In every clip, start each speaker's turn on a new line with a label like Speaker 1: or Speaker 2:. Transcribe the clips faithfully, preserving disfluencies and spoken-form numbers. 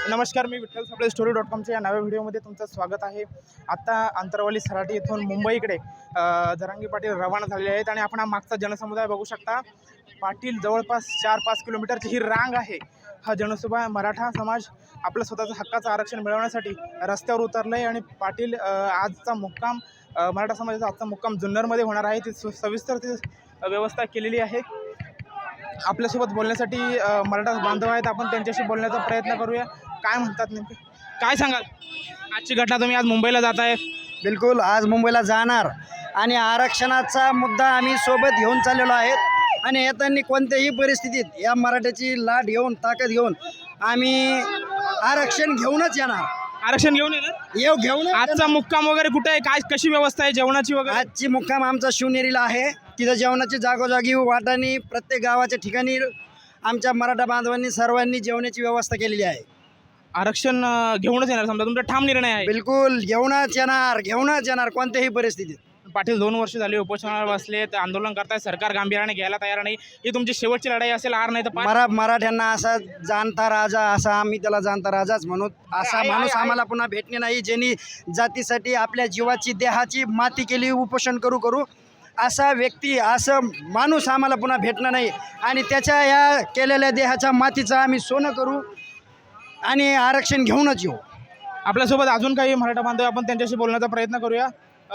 Speaker 1: नमस्कार, मी Vitthal Sable story dot कॉमच्या या नव्या व्हिडिओमध्ये तुमचं स्वागत आहे। आता अंतरवाली सराटी येथून मुंबईकडे जरांगी पाटील रवाना झालेले आहेत आणि आपण हा मागचा जनसमुदाय बघू शकता। पाटील जवळपास चार पाच किलोमीटरची ही रांग आहे। हा जनसमुदाय मराठा समाज आपलं स्वतःचं हक्काचं आरक्षण मिळवण्यासाठी रस्त्यावर उतरलं आहे आणि पाटील आजचा मुक्काम मराठा समाजाचा आजचा मुक्काम जुन्नरमध्ये होणार आहे। ती सविस्तर ती व्यवस्था केलेली आहे। आपल्यासोबत बोलण्यासाठी मराठा बांधव आहेत, आपण त्यांच्याशी बोलण्याचा प्रयत्न करूया। काय म्हणतात नेमके, काय सांगाल आजची घटना? तुम्ही आज मुंबईला जात आहे?
Speaker 2: बिलकुल, आज मुंबईला जाणार आणि आरक्षणाचा मुद्दा आम्ही सोबत घेऊन चाललेलो आहेत आणि येताना कोणत्याही परिस्थितीत या मराठ्याची लाट घेऊन ताकद घेऊन आम्ही आरक्षण घेऊनच येणार।
Speaker 1: आरक्षण घेऊन येणार
Speaker 2: येऊ घेऊन
Speaker 1: आजचा मुक्काम वगैरे कुठे आहे, काय कशी व्यवस्था आहे जेवणाची वगैरे?
Speaker 2: आजची मुक्काम आमचा शिवनेरीला आहे। तिथं जेवणाची जागोजागी वाटाणी प्रत्येक गावाच्या ठिकाणी आमच्या मराठा बांधवांनी सर्वांनी जेवणाची व्यवस्था केलेली आहे।
Speaker 1: आरक्षण घेऊनच येणार समजा, तुमचा ठाम निर्णय आहे?
Speaker 2: बिलकुल घेऊनच येणार, घेऊनच येणार कोणत्याही परिस्थितीत।
Speaker 1: पाटील दोन वर्ष झाली उपोषणावर बसलेत, आंदोलन करताय, सरकार गांभीर्याने घ्यायला तयार नाही। ही तुमची शेवटची लढाई असेल, हार नाही तर
Speaker 2: मरा मराठ्यांना असा जाणता राजा, असा आम्ही त्याला जाणता राजाच म्हणू, असा माणूस आम्हाला पुन्हा भेटणे नाही, ज्यांनी जातीसाठी आपल्या जीवाची देहाची माती केली उपोषण करू करू, असा व्यक्ती असं माणूस आम्हाला पुन्हा भेटणं नाही आणि त्याच्या या केलेल्या देहाच्या मातीचं आम्ही सोनं करू आणि आरक्षण घेऊनच येऊ।
Speaker 1: आपल्यासोबत अजून काही मराठा बांधव, आपण त्यांच्याशी बोलण्याचा प्रयत्न करूया।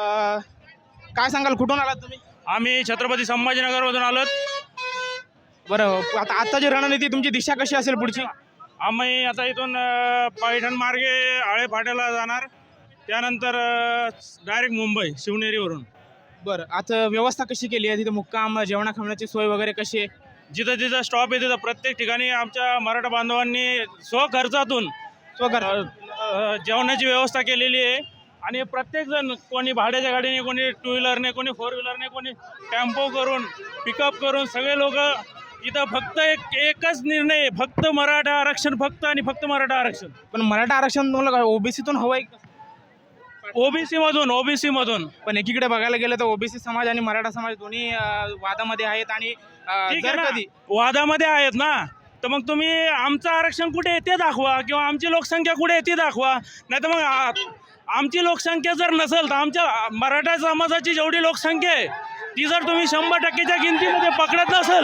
Speaker 1: काय सांगाल, कुठून आलात तुम्ही?
Speaker 3: आम्ही छत्रपती संभाजीनगरमधून आलोत।
Speaker 1: बरं, आता आत्ताची रणनीती तुमची दिशा कशी असेल पुढची?
Speaker 3: आम्ही आता इथून पैठण मार्गे आळे फाट्याला जाणार, त्यानंतर डायरेक्ट मुंबई शिवनेरीवरून।
Speaker 1: बरं, आता व्यवस्था कशी केली आहे तिथे? मुक्काम, जेवणा खाण्याची सोय वगैरे कशी आहे?
Speaker 3: जिथं जिथं स्टॉप आहे तिथं प्रत्येक ठिकाणी आमच्या मराठा बांधवांनी स्वखर्चातून
Speaker 1: स्वखर्च
Speaker 3: जेवणाची व्यवस्था केलेली आहे आणि प्रत्येकजण, कोणी भाड्याच्या गाडीने, कोणी टू व्हीलरने, कोणी फोर व्हीलरने, कोणी टेम्पो करून, पिकअप करून सगळे लोक इथं फक्त एक एकच निर्णय आहे, फक्त मराठा आरक्षण, फक्त आणि फक्त मराठा आरक्षण।
Speaker 1: पण मराठा आरक्षण तुम्हाला ओबीसीतून हवं आहे?
Speaker 3: ओबीसी मधून ओबीसी मधून
Speaker 1: पण एकीकडे बघायला गेलं तर ओबीसी समाज आणि मराठा समाज दोन्ही वादामध्ये आहेत आणि जर कधी
Speaker 3: वादामध्ये आहेत ना, तर मग तुम्ही आमचं आरक्षण कुठे आहे ते दाखवा, किंवा आमची लोकसंख्या कुठे आहे ती दाखवा। नाही तर मग आमची लोकसंख्या जर नसेल तर आमच्या मराठा समाजाची जेवढी लोकसंख्या आहे ती जर तुम्ही शंभर टक्केच्या गिनतीमध्ये पकडत नसेल,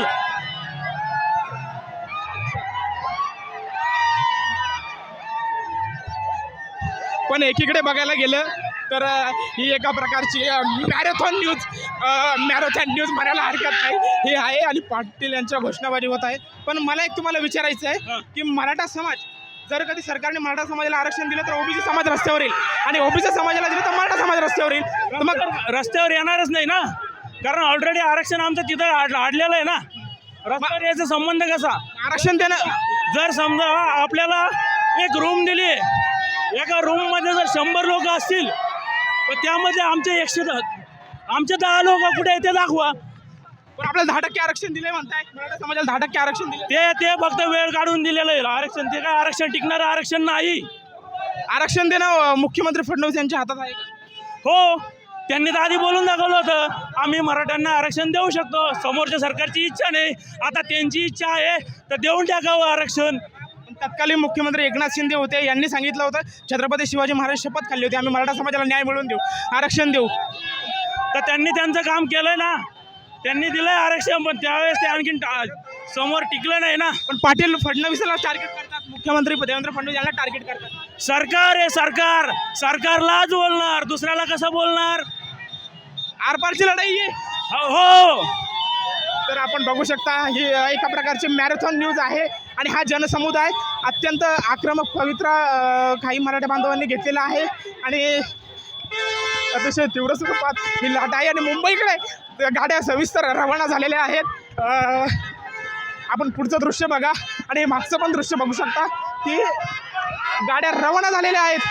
Speaker 1: पण एकीकडे बघायला गेलं तर ही एका प्रकारची मॅरेथॉन न्यूज मॅरेथॉन न्यूज म्हणायला हरकत नाही हे आहे आणि पाटील यांच्या घोषणाबाजी होत आहे। पण मला एक तुम्हाला विचारायचं आहे की मराठा समाज, जर कधी सरकारने मराठा समाजाला आरक्षण दिलं तर ओबीसी समाज रस्त्यावर येईल आणि ओबीसी समाजाला दिलं तर मराठा समाज रस्त्यावर येईल, तर मग
Speaker 3: रस्त्यावर येणारच नाही ना, कारण ऑलरेडी आरक्षण आमचं तिथं आडलेलं आहे ना। रस्त्यावर याचा संबंध कसा?
Speaker 1: आरक्षण देणं,
Speaker 3: जर समजा आपल्याला एक रूम दिली, एका रूममध्ये जर शंभर लोक असतील तर त्यामध्ये आमचे एकशे आमचे दहा लोक कुठे आहे ते दाखवा।
Speaker 1: पण आपल्याला दहा टक्के आरक्षण दिले म्हणताय, मराठा समाजाला दहा टक्के आरक्षण दिले,
Speaker 3: ते ते फक्त वेळ काढून दिलेलं आहे आरक्षण, ते काय आरक्षण टिकणारं आरक्षण नाही।
Speaker 1: आरक्षण देणं मुख्यमंत्री फडणवीस यांच्या हातात आहे का?
Speaker 3: हो, त्यांनी तर आधी बोलून दाखवलं होतं, आम्ही मराठ्यांना आरक्षण देऊ शकतो। समोरच्या सरकारची इच्छा नाही, आता त्यांची इच्छा आहे तर देऊन टाकावं आरक्षण।
Speaker 1: तत्कालीन मुख्यमंत्री एकनाथ शिंदे होते, यांनी सांगितलं होतं छत्रपती शिवाजी महाराज शपथ खाल्ली होती, आम्ही मराठा समाजाला न्याय मिळवून देऊ, आरक्षण देऊ,
Speaker 3: तर त्यांनी त्यांचं काम केलंय ना, त्यांनी दिलंय आरक्षण, पण त्यावेळेस ते आणखीन समोर टिकलं नाही ना।
Speaker 1: पण पाटील फडणवीसला टार्गेट करतात, मुख्यमंत्री देवेंद्र फडणवीस यांना टार्गेट करतात।
Speaker 3: सरकार आहे, सरकार सरकारलाच बोलणार, दुसऱ्याला कसं बोलणार?
Speaker 1: आरपारची लढाई आहे।
Speaker 3: हो,
Speaker 1: तर आपण बघू शकता ही एका प्रकारची मॅरेथॉन न्यूज आहे आणि हा जनसमुदाय अत्यंत आक्रमक पवित्रा काही मराठा बांधवांनी घेतलेला आहे आणि अतिशय तीव्र स्वरूपात ही लाट आहे आणि मुंबईकडे गाड्या सविस्तर रवाना झालेल्या आहेत। आपण पुढचं दृश्य बघा आणि हे मागचं पण दृश्य बघू शकता की गाड्या रवाना झालेल्या आहेत,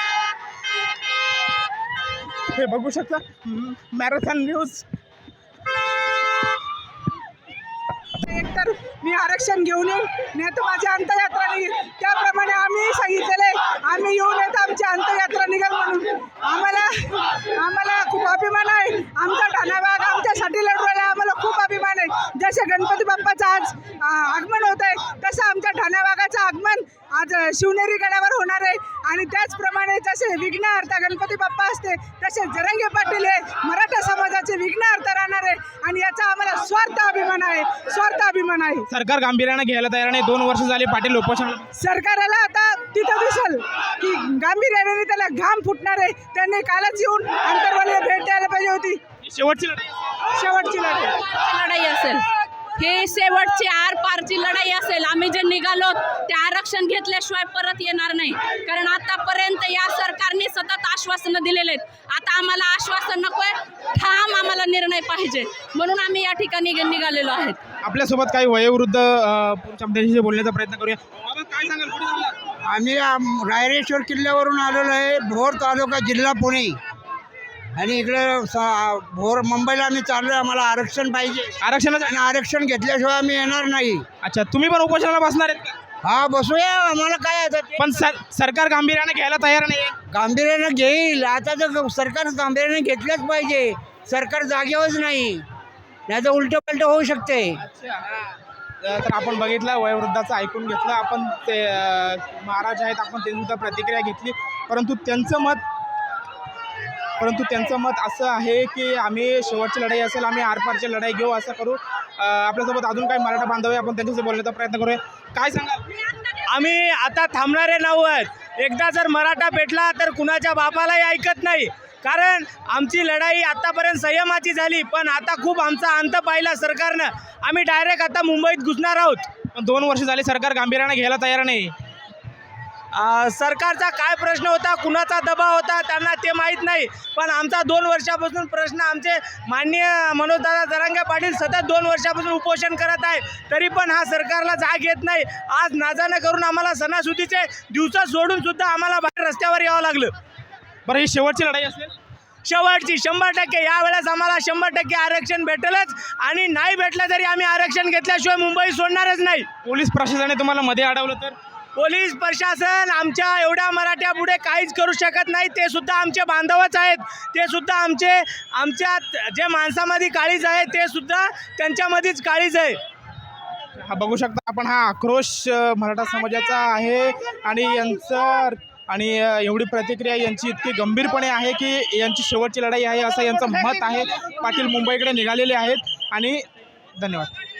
Speaker 1: हे बघू शकता मॅरेथॉन न्यूज।
Speaker 4: एकतर मी आरक्षण घेऊन येईन, नाही तर माझी अंत्ययात्रा निघेल, त्याप्रमाणे आम्ही सांगितलेले आम्ही येऊन येत आमची अंत्ययात्रा निघेल म्हणून। आम्हाला आम्हाला खूप अभिमान आहे, आमचा ठाणा भाग आमच्यासाठी लढवायला आम्हाला खूप अभिमान आहे। जसे गणपती बाप्पाचं आज आगमन होत आहे तसं आमच्या ठाणा भागाचं आगमन आज ज- शिवनेरी गडावर होणार आहे. आणि त्याचप्रमाणे जसे विघ्नहर्ता गणपती बाप्पा असते तसे जरांगे पाटील हे मराठा समाजाचे विघ्नहर्ता राहणार आहे. आणि याचा आम्हाला स्वार्थ अभिमान आहे, स्वार्थ अभिमान आहे.
Speaker 1: सरकार गांभीर्याने घ्यायला तयार नाही. दोन वर्ष झाली पाटील उपोषण.
Speaker 4: सरकारला आता तिथं दिसल की गांभीर्याने त्याला घाम फुटणार आहे. त्यांनी कालच येऊन अंतरवालीला भेट द्यायला पाहिजे होती.
Speaker 1: शेवटची लढाई.
Speaker 4: शेवटची लढाई
Speaker 5: लढाई असेल, ही शेवटची आर पारची लढाई असेल. आम्ही जे निघालो ते आरक्षण घेतल्याशिवाय परत येणार नाही. कारण आतापर्यंत या सरकारने सतत आश्वासनं दिलेले आहेत. आता आम्हाला आश्वासन नकोय, ठाम आम्हाला निर्णय पाहिजे. म्हणून आम्ही या ठिकाणी निघालेलो आहेत.
Speaker 1: आपल्यासोबत काही वयोवृद्ध अ, पुरुष आमच्याशी बोलण्याचा प्रयत्न करूया. बाबा, काय सांगाल? कुठे चालला?
Speaker 6: आम्ही आम- रायरेश्वर किल्ल्यावरून आलेलो आहे, भोर तालुका जिल्हा पुणे. आणि इकडे स- भोर मुंबईला आम्ही चाललो आहे. आम्हाला आरक्षण पाहिजे
Speaker 1: आरक्षणाचं.
Speaker 6: आणि आरक्षण घेतल्याशिवाय आम्ही येणार नाही.
Speaker 1: अच्छा, तुम्ही पण उपोषणाला बसणार आहेत का?
Speaker 6: हा, बसूया, आम्हाला काय आता ते
Speaker 1: पण सर सरकार गांभीर्याने घ्यायला तयार नाही.
Speaker 6: गांभीर्यानं घेईल. आता तर सरकार गांभीर्याने घेतलंच पाहिजे. सरकार जागेवरच नाही, नाही तर उलटं पलटं होऊ शकते.
Speaker 1: तर आपण बघितलं, वयोवृद्धाचं ऐकून घेतलं आपण. ते अ, महाराज आहेत, आपण ते सुद्धा प्रतिक्रिया घेतली. परंतु त्यांचं मत परंतु त्यांचं मत असं आहे की आम्ही शेवटची लढाई असेल, आम्ही आरपारची लढाई घेऊ, असं करू. अ, आपल्यासोबत अजून काही मराठा बांधव आहे, आपण त्यांच्याशी बोलण्याचा प्रयत्न करूया. काय सांगाल?
Speaker 3: आम्ही आता थांबणारे नव्हत. एकदा जर मराठा पेटला तर कुणाच्या बापालाही ऐकत नाही. कारण आमची लढाई आतापर्यंत संयमाची झाली, पण आता खूप आमचा अंत पाहिला सरकारनं. आम्ही डायरेक्ट आता मुंबईत घुसणार आहोत.
Speaker 1: पण दोन वर्ष झाली सरकार गांभीर्याने घ्यायला तयार नाही.
Speaker 3: अ, सरकारचा काय प्रश्न होता, कुणाचा दबाव होता, त्यांना ते माहीत नाही. पण आमचा दोन वर्षापासून प्रश्न, आमचे माननीय मनोजदादा जरांगे पाटील सतत दोन वर्षापासून उपोषण करत आहे, तरी पण हा सरकारला जाग येत नाही. आज नाजानं करून आम्हाला सणासुदीचे दिवस सोडून सुद्धा आम्हाला बाहेर रस्त्यावर यावं लागलं.
Speaker 1: बरं, ही शेवटची लढाई असेल.
Speaker 3: शेवटची शंभर टक्के यावेळेस आम्हाला शंभर टक्के आरक्षण भेटेलच. आणि नाही भेटलं तरी आम्ही आरक्षण घेतल्याशिवाय मुंबई सोडणारच नाही.
Speaker 1: पोलीस प्रशासनाने तुम्हाला मध्ये अडवलं तर?
Speaker 3: पोलीस प्रशासन आमच्या एवढ्या मराठ्यापुढे काहीच करू शकत नाही. ते सुद्धा आमचे बांधवच आहेत. ते सुद्धा आमचे आमच्यात जे माणसामध्ये काळीज आहे ते सुद्धा त्यांच्यामध्येच काळीज आहे.
Speaker 1: हा, बघू शकता आपण, हा आक्रोश अ, मराठा समाजाचा आहे. आणि यांचं आणि अ, एवढी प्रतिक्रिया यांची इतकी गंभीरपणे आहे की यांची शेवटची लढाई आहे असं यांचं मत आहे. पाटील मुंबईकडे निघालेले आहेत. आणि धन्यवाद.